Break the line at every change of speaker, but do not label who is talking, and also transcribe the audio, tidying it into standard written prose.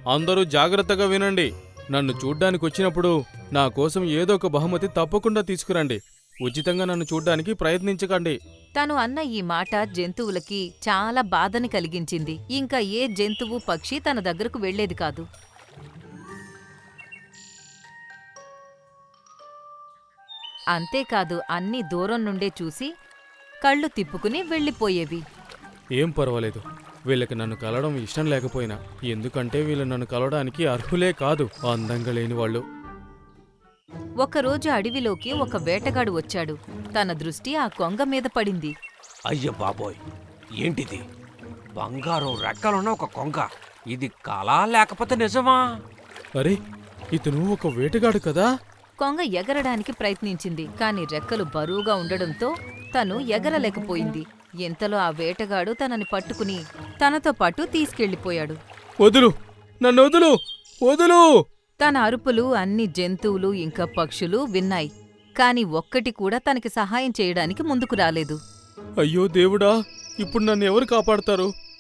అందరూ జాగ్రత్తగా వినండి. నన్ను చూడ్డానికి వచ్చినప్పుడు నా కోసం ఏదో ఒక బహుమతి తప్పకుండా తీసుకురండి. ఉచితంగా నన్ను చూడ్డానికి ప్రయత్నించకండి.
తను అన్న ఈ మాట జంతువులకి చాలా బాధని కలిగించింది. ఇంకా ఏ జంతువు పక్షి తన దగ్గరకు వెళ్లేది కాదు. అంతేకాదు అన్నీ దూరం నుండే చూసి కళ్ళు తిప్పుకుని వెళ్ళిపోయేవి.
ఏం పర్వాలేదు, వీళ్ళకి నన్ను కలవడం ఇష్టం లేకపోయినా, ఎందుకంటే వీళ్ళు నన్ను కలవడానికి అర్హులే కాదు, అందంగా లేని వాళ్ళు.
ఒకరోజు అడవిలోకి ఒక వేటగాడు వచ్చాడు. తన దృష్టి ఆ కొంగ మీద పడింది.
అయ్య బాబోయ్, ఏంటిది? బంగారం రెక్కలున్న ఒక కొంగ. ఇది కళా లేకపోతే నిజమా?
అరే, ఇతను ఒక వేటగాడు కదా.
కొంగ ఎగరడానికి ప్రయత్నించింది, కాని రెక్కలు బరువుగా ఉండడంతో తను ఎగరలేకపోయింది. ఇంతలో ఆ వేటగాడు తనని పట్టుకుని తనతో పాటు తీసుకెళ్లిపోయాడు.
వదులు, నన్ను వదులు, వదులు!
తన అరుపులు అన్ని జంతువులు ఇంకా పక్షులు విన్నాయి, కాని ఒక్కటి కూడా తనకి సహాయం చేయడానికి ముందుకు రాలేదు.
అయ్యో దేవుడా, ఇప్పుడు నన్ను ఎవరు కాపాడతారు?